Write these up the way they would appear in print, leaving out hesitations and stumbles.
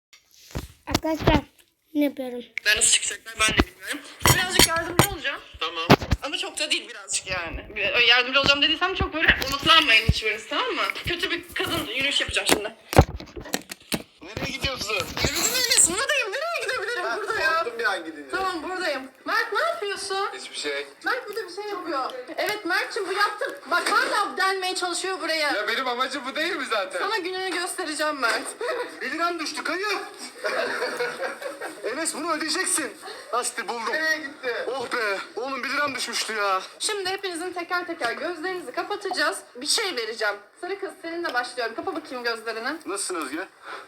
Arkadaşlar ne yapıyorum? Ben nasıl çıkacaklar ben de bilmiyorum. Birazcık yardımcı olacağım. Tamam. Ama çok da değil birazcık yani. Yardımcı olacağım dediysem çok böyle umutlanmayın hiçbiriniz, tamam mı? Kötü bir kadın yürüyüş yapacağım şimdi. Nereye gidiyorsun? Yürüdün Enes, buradayım. Nereye gidebilirim burada ya? Korktum bir an gidince. Tamam buradayım. Mert ne yapıyorsun? Hiçbir şey. Mert burada bir şey yapıyor. Evet Mert'cim bu yaptın. Bak hala delmeye çalışıyor buraya. Ya benim amacım bu değil mi zaten? Sana gününü göstereceğim Mert. 1 liram düştü kayıp. Enes bunu ödeyeceksin. Aslı buldum. Nereye gitti? Oh be. Oğlum 1 liram düşmüştü ya. Şimdi hepinizin teker teker gözlerinizi kapatacağız. Bir şey vereceğim. Sarı kız seninle başlıyorum. Kapa bakayım gözlerini. Nasılsın Özge?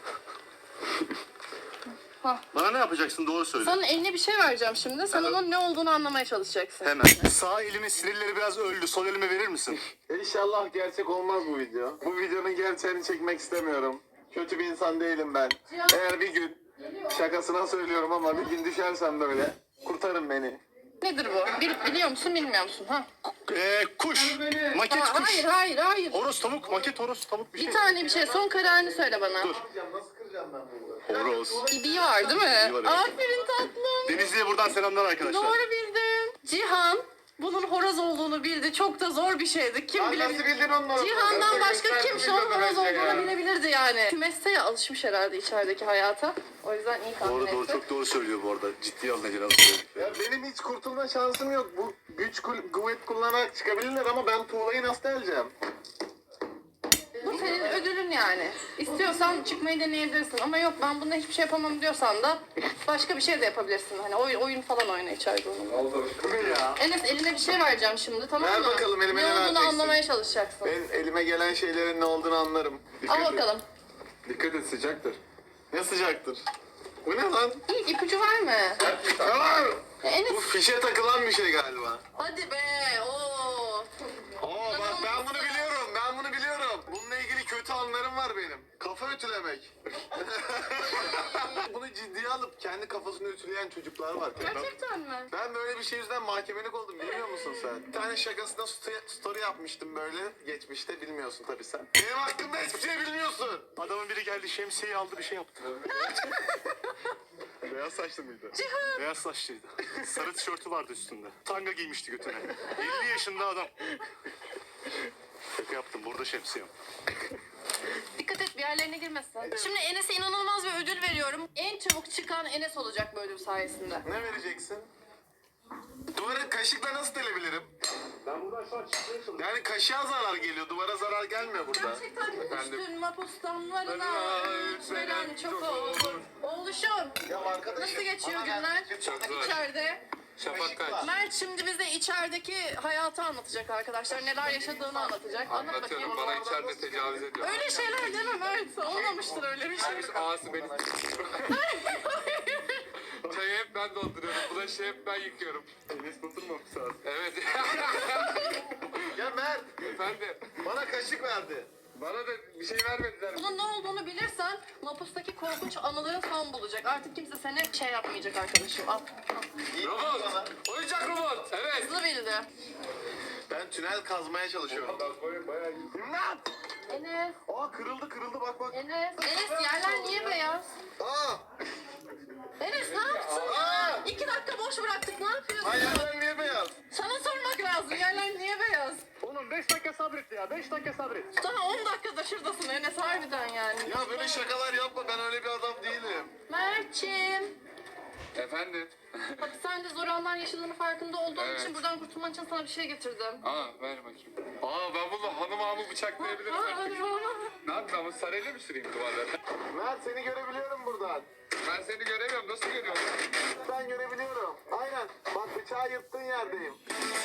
Hah. Bana ne yapacaksın doğru söyle. Sana eline bir şey vereceğim şimdi. Sen onun ne olduğunu anlamaya çalışacaksın. Hemen. Sağ elimin sinirleri biraz öldü. Sol elime verir misin? İnşallah gerçek olmaz bu video. Bu videonun gerçeğini çekmek istemiyorum. Kötü bir insan değilim ben. Eğer bir gün, şakasına söylüyorum ama bir gün düşersem böyle, kurtarın beni. Nedir bu? Biliyor musun bilmiyor musun? Ha? Kuş. Maket Aa, kuş. hayır. Horoz tavuk. Maket horoz tavuk bir şey. Bir tane bir şey. Son kararını söyle bana. Dur. Horoz. İbiği var değil mi? İbiği var, evet. Aferin tatlım. Denizli'ye buradan selamlar arkadaşlar. Doğru bildin. Cihan bunun horoz olduğunu bildi. Çok da zor bir şeydi. Kim bilebilir? Nasıl bildin onları? Cihan'dan başka kim Gösterdim şu an videoda horoz bence olduğunu ya. bilebilirdi yani. Kümeste ya alışmış herhalde içerideki hayata. O yüzden iyi tahmin Doğru etti. çok doğru söylüyor bu arada. Ciddi alın Ece nasıl Ya benim hiç kurtulma şansım yok. Bu güç kuvvet kullanarak çıkabilirler ama ben tuğlayı nasıl deleceğim? Bu senin ödülün yani. İstiyorsan çıkmayı deneyebilirsin ama yok ben bunda hiçbir şey yapamam diyorsan da başka bir şey de yapabilirsin. Hani oyun falan oyna içeride onunla. Oldu. Bu ne ya? Enes eline bir şey vereceğim şimdi, tamam Ver mı? bakalım, elime ne ne olduğunu vereceksin? anlamaya çalışacaksın. Ben elime gelen şeylerin ne olduğunu anlarım. Al bakalım. Dikkat et sıcaktır. Ne sıcaktır? Bu ne lan? İlk ipucu verme. Aa! Enes Bu fişe takılan bir şey galiba. hadi be. Oo. Oo bak ben bunu biliyorum. Ben bunu biliyorum. Bununla ilgili kötü anlarım var benim. Kafa ütülemek. Bunu ciddiye alıp kendi kafasını ütüleyen çocuklar var. Gerçekten mi? Ben böyle bir şey yüzünden mahkemelik oldum bilmiyor musun sen? Bir tane şakasında story yapmıştım böyle geçmişte bilmiyorsun tabii sen. Benim hakkımda hiçbir şey bilmiyorsun. Adamın biri geldi şemsiyeyi aldı bir şey yaptı. Beyaz saçlı mıydı? Beyaz saçlıydı. Sarı tişörtü vardı üstünde. Tanga giymişti götüne. 50 yaşında adam. Şaka yaptım burada şemsiyem. Dikkat et bir yerlerine girmesin. Şimdi Enes'e inanılmaz bir ödül veriyorum. En çabuk çıkan Enes olacak bu ödül sayesinde. Ne vereceksin? Duvarı kaşıkla nasıl delebilirim? Ben buradan şu an çıkmaya çalışıyorum. Yani kaşığa zarar geliyor, duvara zarar gelmiyor burada. Gerçekten Efendim? üstün mapustanlarına Bana veren çok olur. Oğluşum Ya arkadaşım. nasıl geçiyor bana günler? Çok zor. İçeride. Şafak kaç? Mert şimdi bize içerideki hayatı anlatacak arkadaşlar. Neler yaşadığını anlatacak. Anlat bakayım. Anlatıyorum. Bana içeride tecavüz ediyor. Öyle şeyler deme Mert. Olmamıştır öyle bir şey. Ağası beni Çayı hep ben dolduruyorum. Bulaşığı hep ben yıkıyorum. Enes oturmamış lazım. Evet. Ya Mert, Efendim. bana kaşık verdi. Bana da bir şey vermediler. Bunun ne olduğunu bilirsen mapustaki korkunç anıların son bulacak. Artık kimse seni şey yapmayacak arkadaşım. Al. Robot. Oyuncak robot. Evet. Hızlı bildi. Ben tünel kazmaya çalışıyorum. İmdat! Enes. Aa kırıldı bak bak. Enes. Enes yerler niye beyaz? Aa! Enes ne yaptın ya? 2 dakika boş bıraktık ne yapıyorsun? Hayaller niye beyaz? Sana sormak lazım yerler niye beyaz? Oğlum 5 dakika sabret ya. 5 dakika sabret. Sana 10 dakikada şuradasın Enes harbiden yani. Ya böyle şakalar yapma, ben öyle bir adam değilim. Mert'ciğim. Efendim. Hapishanede zor anlar yaşadığını farkında olduğum Evet. için buradan kurtulman için sana bir şey getirdim. Aa ver bakayım. Aa ben bunu hanım bıçaklayabilirim Aa, artık. hadi bana. Ne yapayım ama sarayla mı süreyim duvarlara? Mert seni görebiliyorum buradan. Ben seni göremiyorum. Nasıl görüyorum? Ben görebiliyorum. Aynen. Bak bıçağı yırttığın yerdeyim.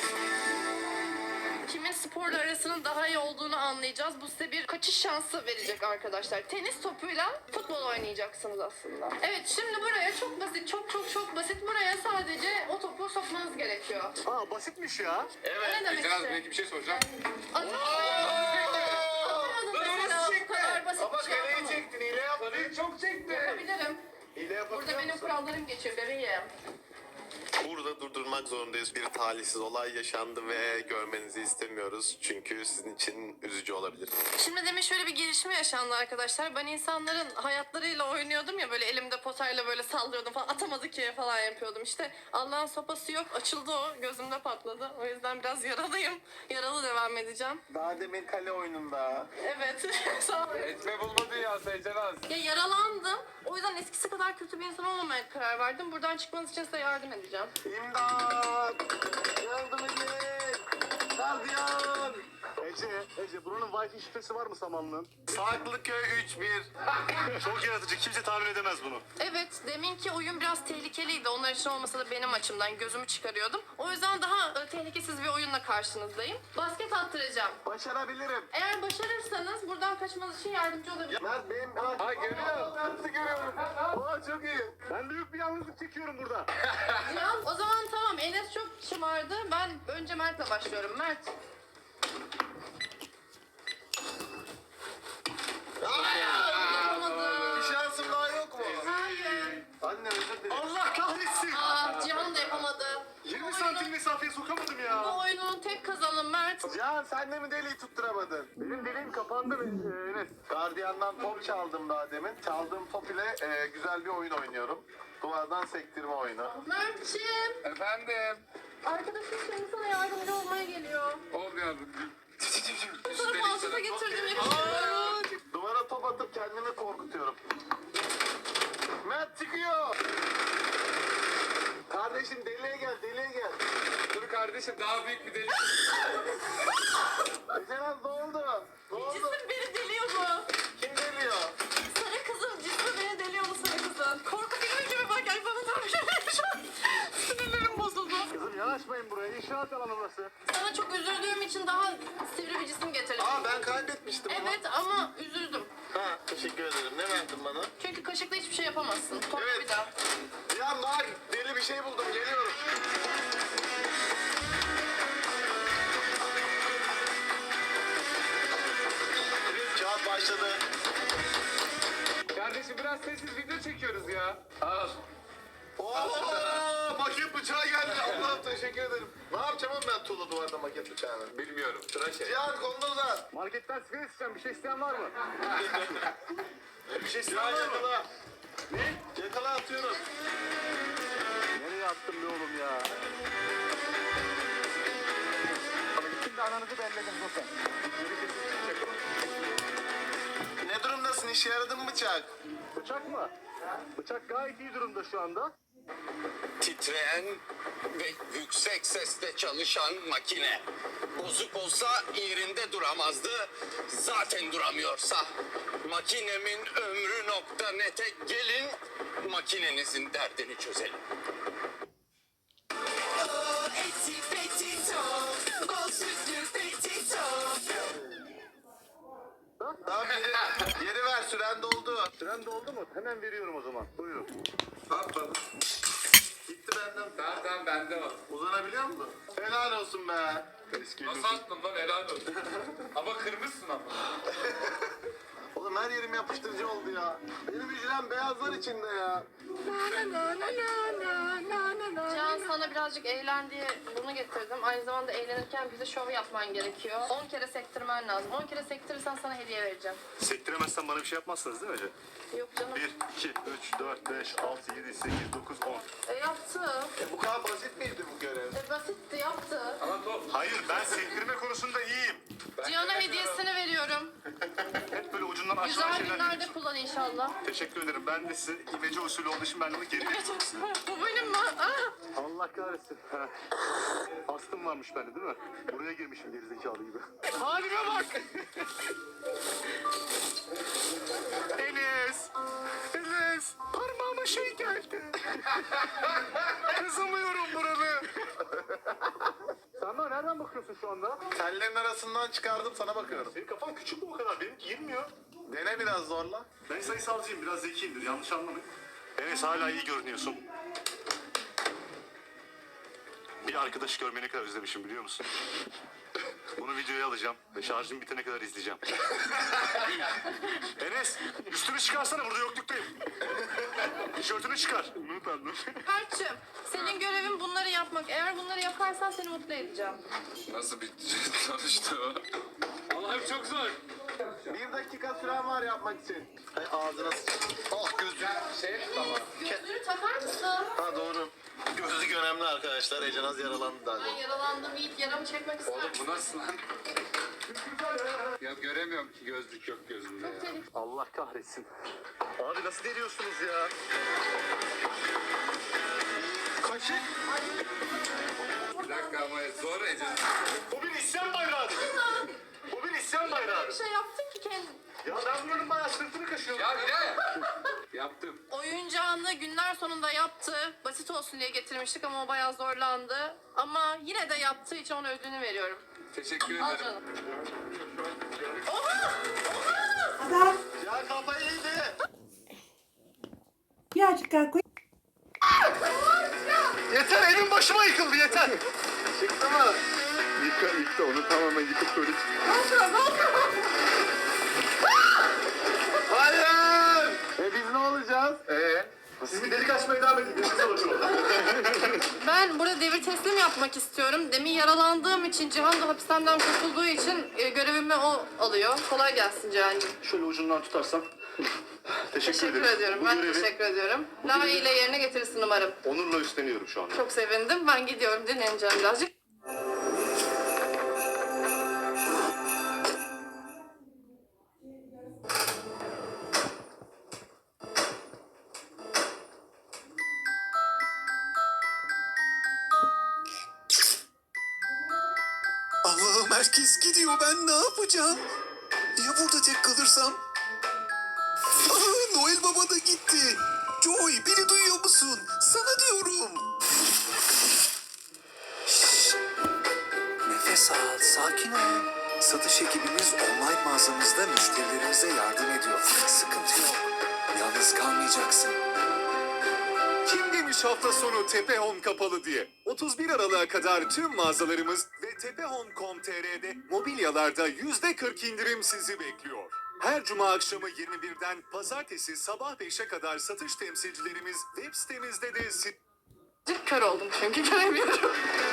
Kimin sporla arasının daha iyi olduğunu anlayacağız. Bu size bir kaçış şansı verecek arkadaşlar. Tenis topuyla futbol oynayacaksınız aslında. Evet şimdi buraya çok basit, çok basit. Buraya sadece o topu sokmanız gerekiyor. Aa basitmiş ya. Ne demek Biraz işte? belki bir şey soracağım. Adım mesela bu kadar basit Ama bir şey kaleyi yapamam. çektin, hile yaptın. Çok çekti. Yapabilirim. Hile Burada yapabiliyor benim musun? kurallarım geçiyor bebeğim. Burada durdurmak zorundayız. Bir talihsiz olay yaşandı ve görmenizi istemiyoruz. Çünkü sizin için üzücü olabilir. Şimdi demin şöyle bir gelişme yaşandı arkadaşlar. Ben insanların hayatlarıyla oynuyordum ya, böyle elimde potayla böyle sallıyordum falan, atamadı ki falan yapıyordum. İşte Allah'ın sopası yok, açıldı o, gözümde patladı. O yüzden biraz yaralıyım. Yaralı devam edeceğim. Daha demin kale oyununda. Evet. Sağ ol. Etme bulma dünyası Ecenaz. Ya yaralandım. O yüzden eskisi kadar kötü bir insan olmamaya karar verdim. Buradan çıkmanız için size yardım edeceğim. İmdat! Yardım edin! Gardiyan! Ece buranın Wi-Fi şifresi var mı Samanlı'nın? Farklıköy 3-1. Çok yaratıcı, kimse tahmin edemez bunu. Evet, deminki oyun biraz tehlikeliydi. Onlar için olmasa da benim açımdan gözümü çıkarıyordum. O yüzden daha tehlikesiz bir oyunla karşınızdayım. Basket attıracağım. Başarabilirim. Eğer başarırsanız buradan kaçmanız için yardımcı olabilirim. Mert benim... Ha görüyorum. Mert'i görüyorum. Aa çok iyi. Ben büyük bir yalnızlık çekiyorum burada. Cihan, o zaman tamam. Enes çok şımardı. Ben önce Mert'le başlıyorum. Mert. Yapamadım. Bir şansım daha yok mu? Hayır. Anne özür dilerim. Allah kahretsin. Cihan da yapamadı. 20 santim mesafeye sokamadım Bu ya. oyunun tek kazanı Mert. Cihan sen de mi deliği tutturamadın? Benim deliğim kapandı Enes. Gardiyandan top çaldım daha demin. Çaldığım top ile güzel bir oyun oynuyorum. Duvardan sektirme oyunu. Mert'ciğim. Efendim. Arkadaşım şimdi sana yardımcı olmaya geliyor. Olmuyor. Sana falsofa getirdim. Yakışıklı. Duvara top atıp kendimi korkutuyorum. Mert çıkıyor. Kardeşim deliğe gel, deliğe gel. Dur kardeşim daha büyük bir delik. Ecenaz ne oldu? Ne oldu? Cisim beni deliyor bu. Kim deliyor? Sarı kızım cismi beni deliyor bu sarı kızın. Korku filmi gibi bak, ay bana da bir şey şu an. Sinirlerim bozuldu. Kızım yanaşmayın buraya, inşaat alanı burası. Sana çok üzüldüğüm için daha sivri bir cisim getirdim. Aa ben kaybetmiştim onu. Evet ama üzüldüm. Ha teşekkür ederim. Ne verdin bana? Çünkü kaşıkla hiçbir şey yapamazsın. Kork Evet. bir daha. Ya bak deli bir şey buldum geliyorum. Kağıt başladı. Kardeşim biraz sessiz video çekiyoruz ya. Al. Oo, maket bıçağı geldi. Allah'ım teşekkür ederim. Ne yapacağım oğlum ben tuğla duvarda maket bıçağını? Bilmiyorum. Sıra şey. Cihan kolunu uzat. Marketten sigara isteyeceğim, bir şey isteyen var mı? Bir şey Cihan yakala. Ne? Yakala atıyorum. Nereye attım be oğlum ya? Şimdi ananızı belledim zaten. Ne durumdasın? İşe yaradı mı bıçak? Bıçak mı? Bıçak gayet iyi durumda şu anda. Titreyen ve yüksek sesle çalışan makine. Bozuk olsa yerinde duramazdı. Zaten duramıyorsa. Makinemin ömrü nokta nete gelin. Makinenizin derdini çözelim. Tamam yeri ver süren doldu. Süren doldu mu? Hemen veriyorum o zaman. Buyurun. At bana. Gitti benden. Tamam bende var. Uzanabiliyor musun? Helal olsun be. Eski Nasıl attın lan helal olsun. Ama kırmışsın ama. Oğlum her yerim yapıştırıcı oldu ya. Benim hücrem beyazlar içinde ya. Can, sana birazcık eğlen diye bunu getirdim. Aynı zamanda eğlenirken bize şov yapman gerekiyor. 10 kere sektirmen lazım. 10 kere sektirirsen sana hediye vereceğim. Sektiremezsen bana bir şey yapmazsınız değil mi Ece? Yok canım. 1, 2, 3, 4, 5, 6, 7, 8, 9, 10. Yaptı. Bu kadar basit miydi bu görev? Basitti, yaptı. Ama top. Hayır, ben sektirme konusunda iyiyim. Cihan'a hediyesini veriyorum. Hep böyle ucundan aşağı Güzel şeyler günlerde yapıyorsun. kullan inşallah. Teşekkür ederim. Ben de size imece usulü olduğu için ben bunu geri Bu benim mi? Ah! Allah kahretsin. Ha. Astım varmış bende değil mi? Buraya girmişim gerizekalı gibi. Halime bak! Enes! Enes! Parmağıma şey geldi. Kızamıyorum buranı. Sen bana nereden bakıyorsun şu anda? Tellerin arasından çıkardım sana bakıyorum. Senin kafan küçük mü o kadar? Benimki girmiyor. Dene biraz zorla. Ben sayısalcıyım, biraz zekiyimdir. Yanlış anlamayın. Enes hala iyi görünüyorsun. Bir arkadaş görmeyi ne kadar özlemişim biliyor musun? Bunu videoya alacağım ve şarjım bitene kadar izleyeceğim. Enes, üstünü çıkarsana, burada yokluktayım. Tişörtünü çıkar. utandım. Mert'cim senin görevin bunları yapmak. Eğer bunları yaparsan seni mutlu edeceğim. Nasıl bir sonuçta o? Allah'ım çok zor. 1 dakika süren var yapmak için. Ay ağzına Ah gözlük. Gözlüğünü takar mısın? Ha doğru. Gözlük önemli arkadaşlar. Ecenaz yaralandı daha. Ben yaralandım Yiğit. Yaramı çekmek ister Oğlum misin? bu nasıl lan? Ya göremiyorum ki gözlük yok gözümde ya. Allah kahretsin. Abi nasıl deliyorsunuz ya? Kaşık. Bir dakika ama zor Ece. Bu bir isyan bayrağı. Bu bir isyan bayrağı. Bir şey yaptın ki kendin. Ya ben bunun bayağı sırtını kaşıyorum. Ya ne? Yaptım. Oyuncağını günler sonunda yaptı. Basit olsun diye getirmiştik ama o bayağı zorlandı. Ama yine de yaptığı için ona ödülünü veriyorum. Teşekkür Al ederim. canım. Oha! Ya kafayı yedi. Birazcık daha koy. Yeter evin başıma yıkıldı yeter. Çıktı mı? Yıktı onu tamamen yıkıp böyle. Hayır! Biz ne olacağız? Siz bir delik açmaya devam edin. Siz olun. Ben burada devir teslim yapmak istiyorum. Demin yaralandığım için Cihan da hapishaneden kurtulduğu için görevimi o alıyor. Kolay gelsin Cihan'cığım. Şöyle ucundan tutarsam. Teşekkür ediyorum. Ben teşekkür ediyorum. Layığıyla yerine getirirsin umarım. Onurla üstleniyorum şu anda. Çok sevindim. Ben gidiyorum. Dinleneceğim birazcık. Allah'ım herkes gidiyor, ben ne yapacağım? Ya burada tek kalırsam? Aa, Noel Baba da gitti. Joy, beni duyuyor musun? Sana diyorum. Şşş. Nefes al, sakin ol. Satış ekibimiz online mağazamızda müşterilerimize yardım ediyor. Sıkıntı yok. Yalnız kalmayacaksın. Kim demiş hafta sonu Tepe Home kapalı diye? 31 Aralık'a kadar tüm mağazalarımız ve tepehome.com.tr'de mobilyalarda %40 indirim sizi bekliyor. Her cuma akşamı 21'den pazartesi sabah 5'e kadar satış temsilcilerimiz web sitemizde de Kör oldum çünkü göremiyorum.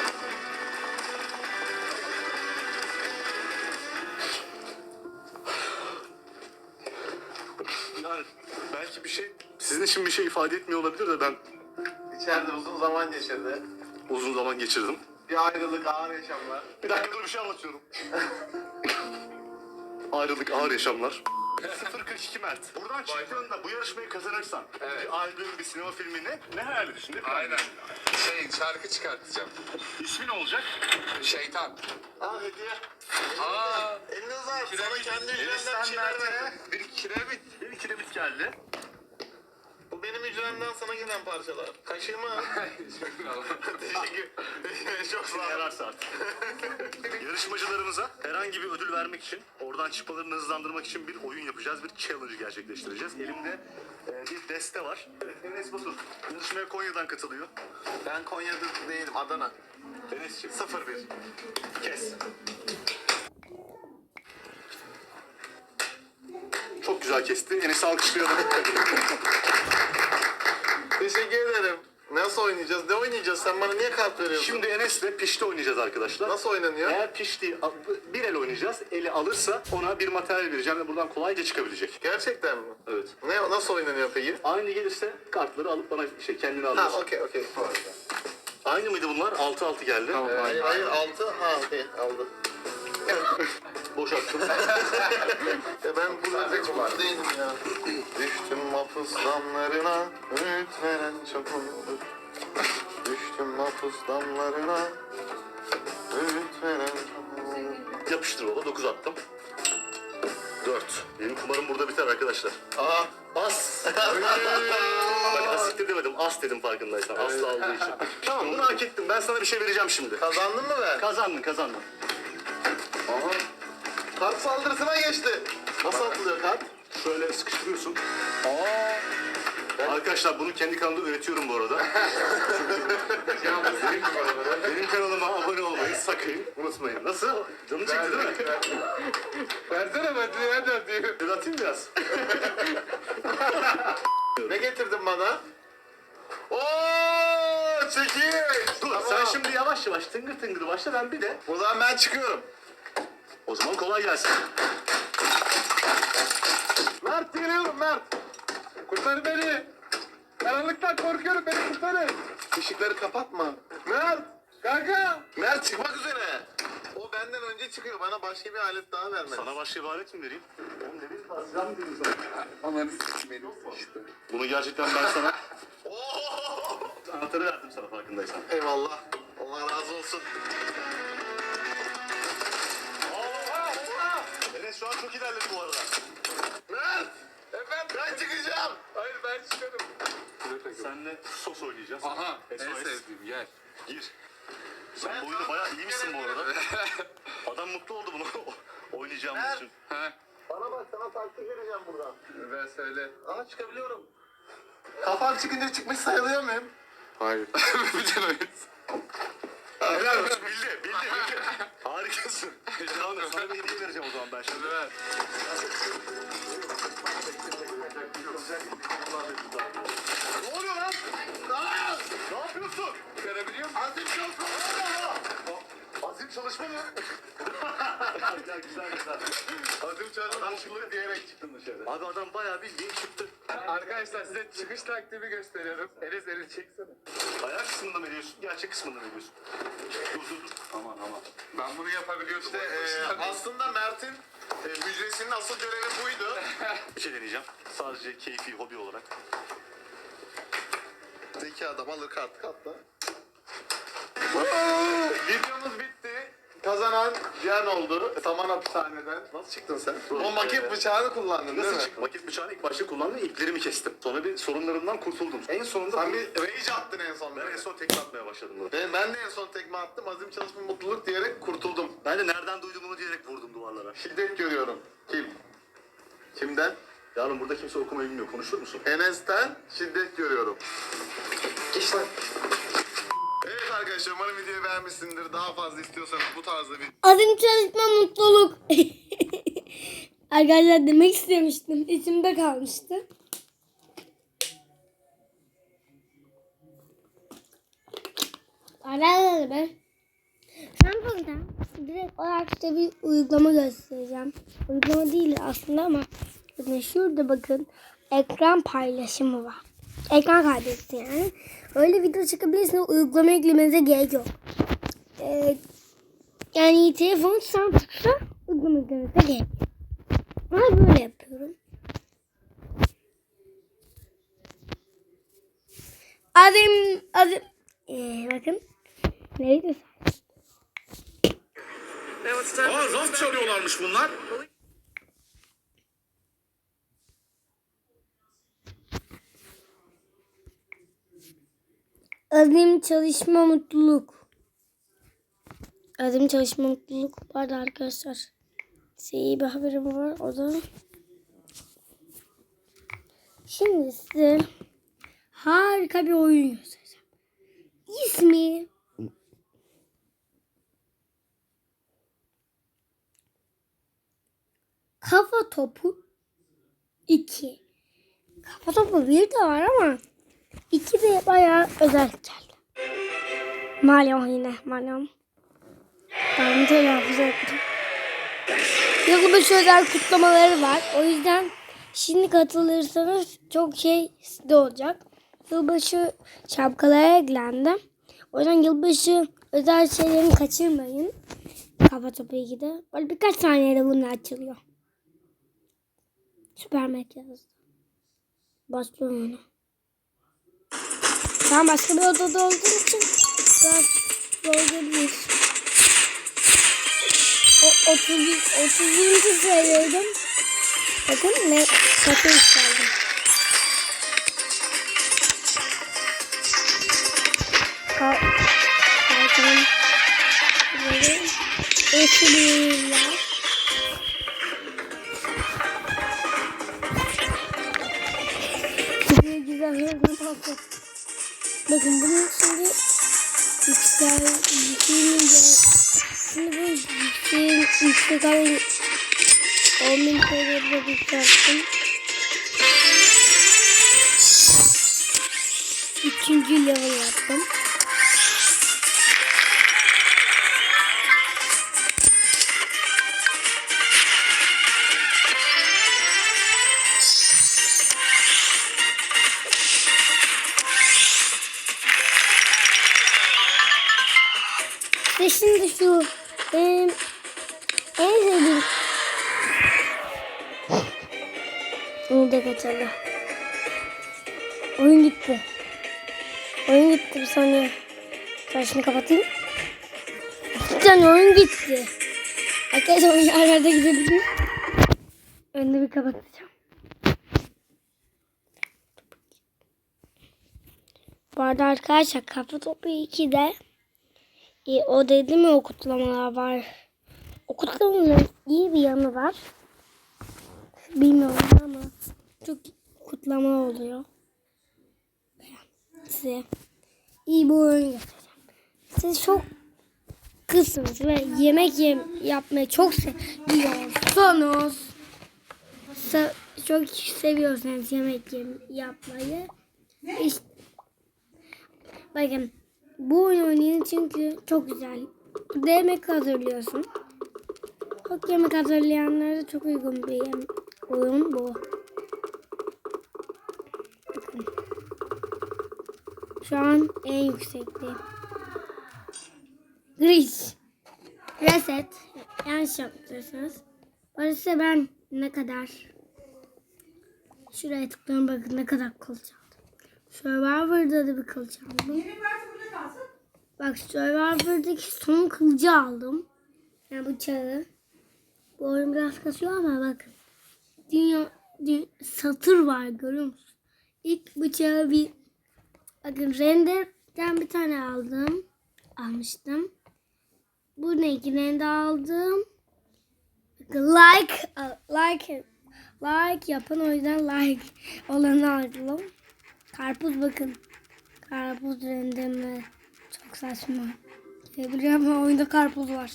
Yani belki bir şey sizin için bir şey ifade etmiyor olabilir de ben İçeride uzun zaman geçirdi. uzun zaman geçirdim. Bir ayrılık, ağır yaşamlar. Bir dakika dur bir şey anlatıyorum. Ayrılık ağır yaşamlar. 042 Mert. Buradan çıktığında bu yarışmayı kazanırsan bir albüm, bir sinema filmi ne hayal ediyorsun? Ne plan Aynen. Şarkı çıkartacağım. İsmi ne olacak? Şeytan. Aa hediye. Aa. Eliniz var. Sana Kiremit. kendi Enes ücretimden sen bir şeyler Mert'e verdim. Bir kiremit. bir kiremit geldi. Bu benim ücretimden sana gelen parçalar. Kaşığımı. Teşekkür. Çok sağ ol. Yararsa artık. Yarışmacılarımıza herhangi bir ödül vermek için, oradan çıkmalarını hızlandırmak için bir oyun yapacağız, bir challenge gerçekleştireceğiz. Elimde bir deste var. Enes Batur yarışmaya Konya'dan katılıyor. Ben Konya'da değilim. Adana. Enes'ciğim 01. kes. Çok güzel kesti. Enes'i alkışlayalım. Teşekkür ederim. Nasıl oynayacağız? Ne oynayacağız? Sen bana niye kart veriyorsun? Şimdi Enes'le pişti oynayacağız arkadaşlar. Nasıl oynanıyor? Eğer pişti bir el oynayacağız. Eli alırsa ona bir materyal vereceğim ve buradan kolayca çıkabilecek. Gerçekten mi? Evet. Nasıl oynanıyor peki? Aynı gelirse kartları alıp bana kendine Ha alıyorsun. okey. Aynı mıydı bunlar? 6-6 geldi. Hayır 6. Ha okey aldı. Boşalttım. Ben burada mutlu değilim ya. Düştüm mahpus damlarına, öğüt veren çok olur. Düştüm mahpus damlarına, öğüt veren çok olur. Yapıştır baba. 9 attım. 4. Benim kumarım burada biter arkadaşlar. Aa, As. Bak asiktir demedim. As dedim farkındaysan. Asla olduğu için. Tamam bunu hak ettim. Ben sana bir şey vereceğim şimdi. kazandın mı ben? Kazandın. Aha. Kart saldırısına geçti. Nasıl atılıyor kart? Şöyle sıkıştırıyorsun. Arkadaşlar bunu kendi kanalımda öğretiyorum bu arada. Benim kanalıma abone olmayı sakın unutmayın. Nasıl? Canı çekti değil mi? Versene ben nereden diyeyim? Bir atayım biraz. Ne getirdin bana? Oo, çekil. Dur Tamam. sen şimdi yavaş yavaş tıngır tıngır başla ben bir de. O zaman ben çıkıyorum. O zaman kolay gelsin. Mert geliyorum Mert. Kurtar beni. Karanlıktan korkuyorum, beni kurtarın. Işıkları kapatma. Mert. Kanka. Mert çıkmak üzere. O benden önce çıkıyor. Bana başka bir alet daha vermez. Sana başka bir alet mi vereyim? Oğlum ne bileyim silah mı diyeyim sana? Ananı s**tim benim işte. Bunu gerçekten ben sana... Anahtarı verdim sana farkındaysan. Eyvallah. Allah razı olsun. Enes şu an çok ilerledi bu arada. Mert. Efendim ben çıkacağım. Hayır ben çıkarım. Senle sos oynayacağız. Aha en SOS. sevdiğim gel. Gir. Sen bu oyunda bayağı iyi misin bu arada? Adam mutlu oldu bunu oynayacağımız için. Ha Bana bak, sana taktik vereceğim buradan. ben söyle. Aa, çıkabiliyorum. Kafam çıkınca çıkmış sayılıyor muyum? Hayır. Bütün oyun. Helal olsun bildi. Harikasın. Tamam sana bir hediye vereceğim o zaman ben şimdi. Ver. Ne oluyor lan? Aa! Ne yapıyorsun? Görebiliyor musun? Azim çalışma. Azim çalışma mı? Ya güzel. Adım çalışmışlık diyerek çıktım dışarı. Abi adam bayağı bildiğin çıktı. Arkadaşlar size çıkış taktiğimi gösteriyorum. Enes elini çeksene. Ayak kısmında mı ediyorsun? Gerçek kısmında mı ediyorsun? Dur. Aman. Ben bunu yapabiliyordum. İşte aslında Mert'in müjdesinin asıl görevi buydu. Bir şey deneyeceğim. Sadece keyfi, hobi olarak. Zeki adam alır kart katla. Videomuz bitti. Kazanan Cihan oldu. Saman hapishaneden. Nasıl çıktın sen? O maket bıçağını kullandın değil Nasıl mi? çıktı? Maket bıçağını ilk başta kullandım, iplerimi kestim. Sonra bir sorunlarımdan kurtuldum. En sonunda Sen bir rage attın en son. ben en son tekme atmaya başladım. Ben de en son tekme attım. Azim çalışma mutluluk diyerek kurtuldum. Ben de nereden duydum bunu diyerek vurdum duvarlara. Şiddet görüyorum. Kim? Kimden? Yavrum burada kimse okumayı bilmiyor. Konuşur musun? Enes'ten şiddet görüyorum. Geç lan. Evet arkadaşlar, umarım videoyu beğenmişsindir. Daha fazla istiyorsanız bu tarzda bir Azim çalışma mutluluk. Arkadaşlar demek istemiştim. İçimde kalmıştı. Arkadaşlar ben burada direkt olarak size bir uygulama göstereceğim. Uygulama değil aslında ama bakın şurada bakın ekran paylaşımı var. Ekran kaydedildi yani. Öyle video çıkabilirsiniz. Uygulama eklemenize gerek yok. Yani telefon Samsung'sa uygulama eklemenize gerek yok. Ben böyle yapıyorum. Azim bakın. Neydi? Aa raf çalıyorlarmış bunlar. Azim çalışma mutluluk. Azim çalışma mutluluk vardı arkadaşlar. Size iyi bir haberim var. O da şimdi size harika bir oyun göstereceğim. İsmi Kafa Topu 2. Kafa Topu 1 de var ama 2 de bayağı özel geldi. Malum yine malum. Ben de hafıza ettim. Yılbaşı özel kutlamaları var. O yüzden şimdi katılırsanız çok şey size olacak. Yılbaşı şapkalara eklendi. O yüzden yılbaşı özel şeylerini kaçırmayın. Kafa Topu 2'de. Böyle birkaç saniyede bunlar açılıyor. Süper Mekyaz'da. Başlıyorum onu. Ben başka bir odada olduğum için biraz zorlayabiliriz. O 30. seviyordum. Bakın ne satın isterdim. Kalkalım. Böyle eşliyorlar. Güzel hızlı. Bakın bunun şimdi şimdi bu yüksek alayım 10.000 TL'de yükselttim. 3. level yaptım. İşte şimdi şu benim en sevdiğim onu da kaçalım. Oyun gitti. Oyun gitti bir saniye. Ben şunu kapatayım. Cidden oyun gitti. Arkadaşlar oyun yerlerde gidebilir. Önünü bir kapatacağım. Bu arada arkadaşlar Kafa Topu 2'de o dedim ya o kutlamalar var. O kutlamaların iyi bir yanı var. Bilmiyorum ama çok kutlama oluyor. Size iyi bir oyun göstereceğim. Siz çok kızsınız ve yemek yapmayı çok seviyorsunuz. Çok seviyorsanız yemek yapmayı. İşte, bakın bu oyunu oynayın çünkü çok güzel. Bir de yemek hazırlıyorsun. Çok yemek hazırlayanlara da çok uygun bir oyun bu. Bakın. Şu an en yüksekte. Gris. Reset. Yanlış yaptıysanız. Orası ben ne kadar. Şuraya tıklıyorum bakın ne kadar kılıç aldım. Survivor'da da bir kılıç aldım. Bak Survivor'daki son kılıcı aldım. Yani bıçağı. Bu oyun biraz kasıyor ama bakın. Dünya satır var görüyor musunuz? İlk bıçağı bakın renderden bir tane almıştım. Bu ne? Render aldım. Bakın like yapın o yüzden like olanı aldım. Karpuz bakın. Karpuz renderime çok saçma. Biliyorum ama oyunda karpuz var.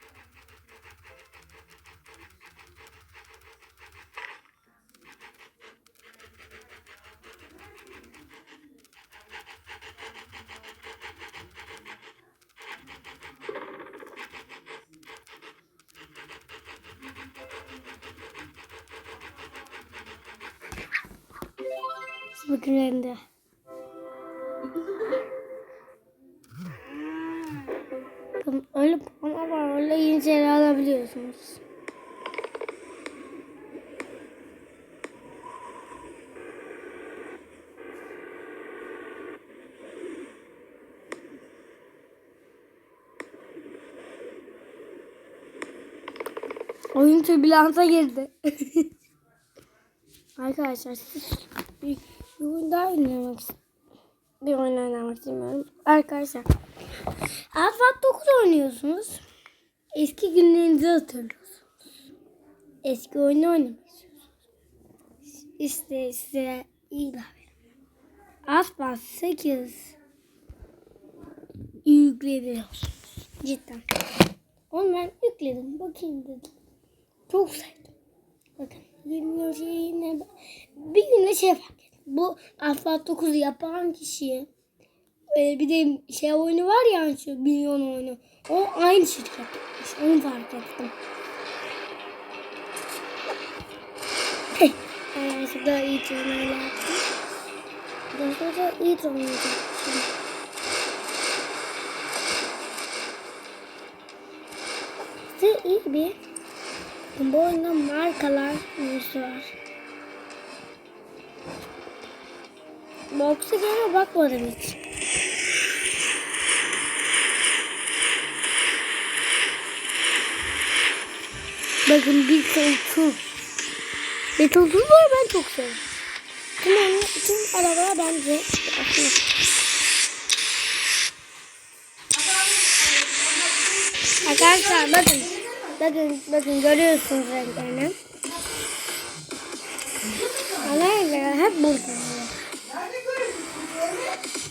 Bakın render. Bakın öyle puanlar var. Öyle yeni şeyler alabiliyorsunuz. Oyun türbülansa girdi. Arkadaşlar siz bir oyun daha oynamak istiyorum. Bir oyun oynamak istemiyorum. Arkadaşlar Alfat 9 oynuyorsunuz. Eski günlerinizi hatırlıyorsunuz. Eski oyunu oynamak istiyorsunuz. İşte size iyi bir haberim. Alfat 8 yükleyebiliyorsunuz. Cidden. Onu ben yükledim. Bakayım dedim. Çok sevdim. Bakın. 20 şeyine bir günde fark ettim. Bu Alfat 9'u yapan kişi bir de oyunu var ya şu milyon oyunu. O aynı şirket. Onu fark ettim. Şurada iyi oyunlar yaptım. Burada iyi oyunlar yaptım. İşte iyi bir bu oyunda markalar var. Box'a gene bakmadım hiç. Bakın bir koltuğu. Bir koltuğu var ben çok seviyorum. Tüm arabalar bence aslında. Arkadaşlar bakın görüyorsunuz renklerini. Renkler hep burada.